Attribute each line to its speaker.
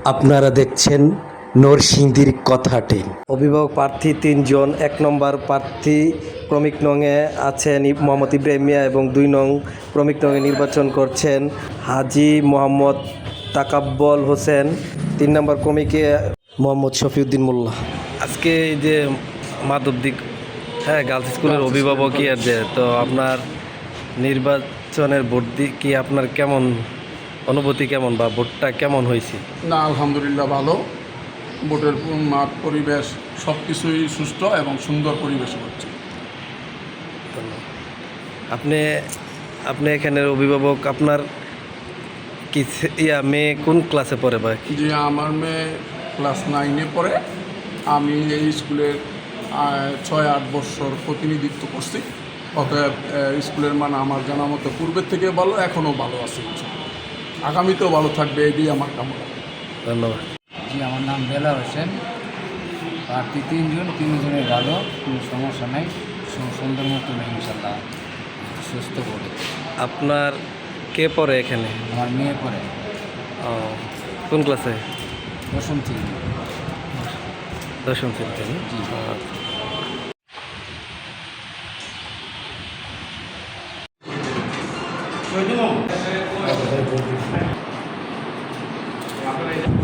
Speaker 1: আপনারা দেখছেন নরসিংদীর কথাটি। অভিভাবক প্রার্থী ৩ জন। ১ নম্বর প্রার্থী ক্রমিক নংয়ে আছেন মোহাম্মদ ইব্রাহিম মিয়া এবং ২ নং ক্রমিক নংয়ে নির্বাচন করছেন হাজী মোহাম্মদ তাকাব্বল হোসেন। ৩ নম্বর ক্রমিকে মোহাম্মদ শফিউদ্দিন মোল্লা। আজকে এই যে মাধবদী গার্লস স্কুলের অভিভাবক ইয়ার যে, তো আপনার নির্বাচনের ভোট কি আপনার কেমন অনুভূতি, কেমন বা ভোটটা কেমন হয়েছে?
Speaker 2: না, আলহামদুলিল্লাহ ভালো। ভোটের মাঠ পরিবেশ সব কিছুই সুস্থ এবং সুন্দর পরিবেশে হচ্ছে।
Speaker 1: আপনি আপনি এখানের অভিভাবক, আপনার কি মেয়ে কোন ক্লাসে পড়ে ভাই?
Speaker 2: যে আমার মেয়ে ক্লাস 9-এ পড়ে। আমি এই স্কুলের 6-8 বছর প্রতিনিধিত্ব করছি। অতএব স্কুলের মান আমার জানা মতো পূর্বের থেকে ভালো, এখনও ভালো আছে, আগামীতেও ভালো থাকবে, এটাই আমার কামনা।
Speaker 1: ধন্যবাদ।
Speaker 3: জি, আমার নাম বেলা হোসেন। প্রার্থী 3 জন, 3 জনের ভালো, কোনো সমস্যা নাই, সুন্দর মতো ইনশাল্লাহ সুস্থ করে।
Speaker 1: আপনার কে পড়ে এখানে?
Speaker 3: আমার মেয়ে পড়ে
Speaker 1: কোন ক্লাসে?
Speaker 3: 10ম থেকে।
Speaker 1: 10ম শ্রেণীতে।
Speaker 2: জি।